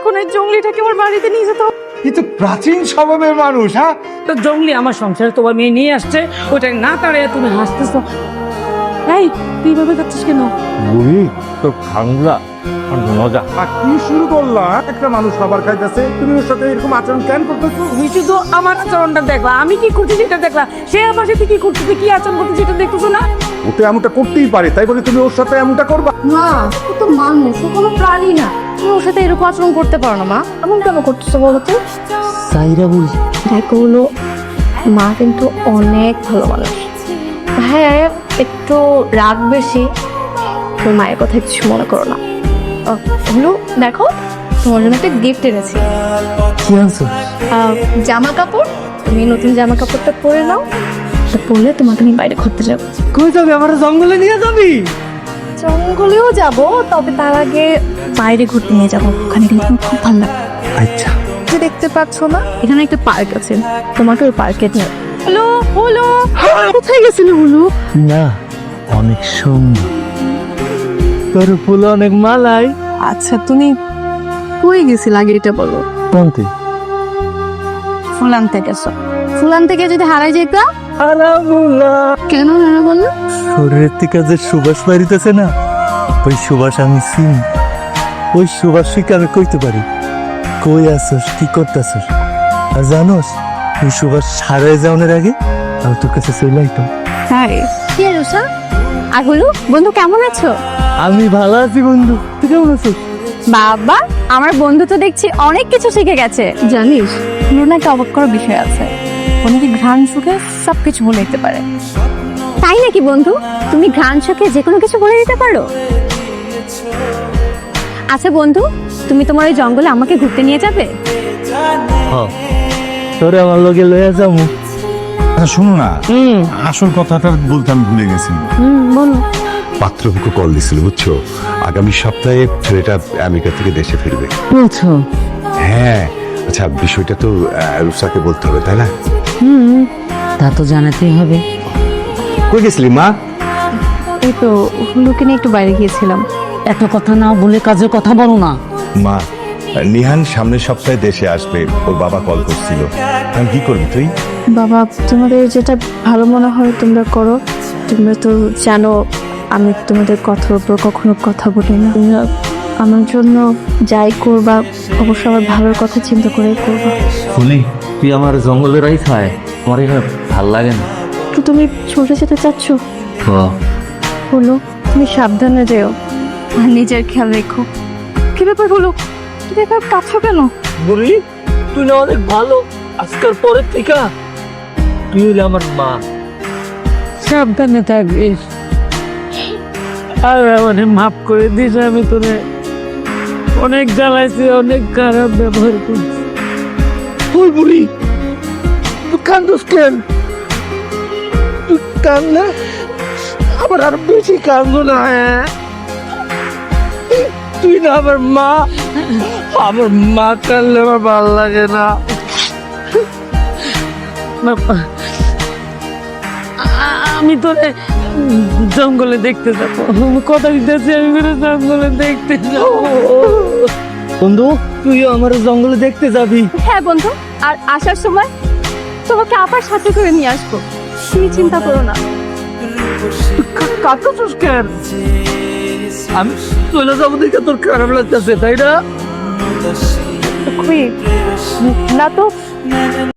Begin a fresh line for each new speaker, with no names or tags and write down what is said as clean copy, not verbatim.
এখন এই জঙ্গলিটাকে আমার বাড়িতে নিয়ে যেতে হবে।
কিন্তু প্রাচীন স্বভাবের মানুষ। হ্যাঁ,
তো জঙ্গলি আমার সংসারে তোমার মেয়ে নিয়ে আসছে, ওটা না তাড়াইয়া তুমি হাসতেছো। এই তুই ভাবে করছিস কেন?
বুড়ি তোর খাংলা মজা।
আর কি শুরু করলা? একটা মানুষ খাবার খাইতেছে, তুমি ওর সাথে এরকম আচরণ কেন করতেছো?
তুমি শুধু আমার আচরণটা দেখলা, আমি কি করছি সেটা দেখলা, সে আমার সাথে কি করতেছে, কি আচরণ করতেছে সেটা দেখতেছো না?
ও তো এমনটা করতেই পারে, তাই বলে তুমি ওর সাথে এমনটা করবা?
মা ও তো মানুষ, ও কোনো প্রাণী না। তুমি ওর সাথে এরকম আচরণ করতে পারো না মা। এমন কেন করতেছো বলো তো?
সাইরা বুড়ি
দেখো হলো, মা কিন্তু অনেক ভালো মানুষ। হ্যাঁ একটু রাগ বেশি, তোর মায়ের কথা কিছু মনে করো না। হলো দেখো, তোমার জন্য একটা গিফট এনেছি।
কি আনছো?
জামা কাপড়। তুমি নতুন জামা কাপড়টা পরে নাও, এটা পরলে তোমাকে আমি বাইরে ঘুরতে যাবো।
কই যাবি? আমার জঙ্গলে নিয়ে যাবি?
জঙ্গলেও যাব, তবে তার আগে বাইরে ঘুরতে নিয়ে যাবো। ওখানে গেলে তোমার খুব ভালো লাগবে।
আচ্ছা।
যে দেখতে পাচ্ছ না, এখানে একটা পার্ক আছে, তোমাকে ওই পার্কে নিয়ে। হ্যালো হলো, কোথায় গেছিলে হলো?
না, অনেক সুন্দর, তোর ফুল অনেক মালাই।
আচ্ছা তুমি কই গেছিলে আগে এটা বলো।
কোনতে?
ফুল আনতে গেছো। ফুল আনতে গিয়ে যদি হারাই যেতা?
আলামুল্লাহ।
কেন না বললো?
শরীরের থেকে যে সুবাস বাড়িতেছে না, ওই সুবাস আমি চিনি। ওই সুবাস থেকে আমি কইতে পারি কই আসছ, কি করতেছস। আর জানোস, ওই সুবাস সারাই যাওয়ার আগে আমি তোর কাছে চলে আইতাম।
হাই কি রুষা, আর হলো বন্ধু কেমন আছো?
আমি ভালো আছি বন্ধু, তুই কেমন আছিস?
বাবা আমার বন্ধু তো দেখছি অনেক কিছু শিখে গেছে। জানিস লুনা একটা অবাক করার বিষয় আছে, অনেকে ঘ্রাণ সুখে সবকিছু বলে দিতে পারে। তাই নাকি বন্ধু? তুমি ঘ্রাণ সুখে যে কোনো কিছু বলে দিতে পারো? আচ্ছা বন্ধু, তুমি তোমার ওই জঙ্গলে আমাকে ঘুরতে নিয়ে যাবে?
তোরে আমার লগে লইয়া যাবো।
আচ্ছা শোনো না, আসল কথাটা বলতে আমি ভুলে গেছি।
বলো।
পাত্রকে কল দিছিল বুঝছো, আগামী সপ্তাহে ছেলেটা আমেরিকা থেকে দেশে ফিরবে।
বলছো?
হ্যাঁ, আচ্ছা বিষয়টা তো রুসাকে বলতে হবে তাই না?
তা তো জানাতেই হবে।
কই গেছিলি মা?
এই তো হুলুকে নিয়ে একটু বাইরে গিয়েছিলাম।
এত কথা না বলে কাজের কথা বলো না।
মা, নিহান সামনের সপ্তাহে দেশে আসবে, ওর বাবা কল করছিল। আমি কি করবি তুই?
বাবা তোমাদের যেটা ভালো মনে হয় তোমরা করো। তোমরা তো জানো আমি তোমাদের কথার উপর কখনো কথা বলি না। তোমরা আমার জন্য যাই করবা অবশ্য আমার ভালোর কথা চিন্তা করে করবা।
শুনি তুই আমার জঙ্গলের রাই খায়, আমার এখানে ভাল লাগে না।
তো তুমি ছুটে যেতে চাচ্ছ? হলো তুমি সাবধানে যেও আর নিজের খেয়াল রেখো। কি ব্যাপার হলো, কি ব্যাপার কাছো কেন?
বুড়ি তুই না অনেক ভালো, আজকাল পরের থেকে তুই হলে আমার মা।
সাবধানে থাকবিস, আর মানে মাফ করে দিস। আমি তোরে অনেক জ্বালাইছি, অনেক খারাপ ব্যবহার করছি।
ওই বুড়ি তুই কান্দোস কেন? তুই কান্দলে আমার আর বেশি কান্দো না। তুই না আমার মা, আমার মা কান্দলে আমার ভালো লাগে না।
আমি তোরে জঙ্গলে দেখতে যাবো, কথা দিতেছি, আমি তোরে জঙ্গলে দেখতে যাবো।
বন্ধু তুইও আমার জঙ্গলে দেখতে যাবি?
হ্যাঁ বন্ধু, আর আসার সময় তোমাকে আবার সাথে করে নিয়ে আসবো, তুমি চিন্তা করো না।
কাঁদতেছিস কেন? আমি চলে যাবো দেখে তোর খারাপ লাগতেছে তাই না?
না তো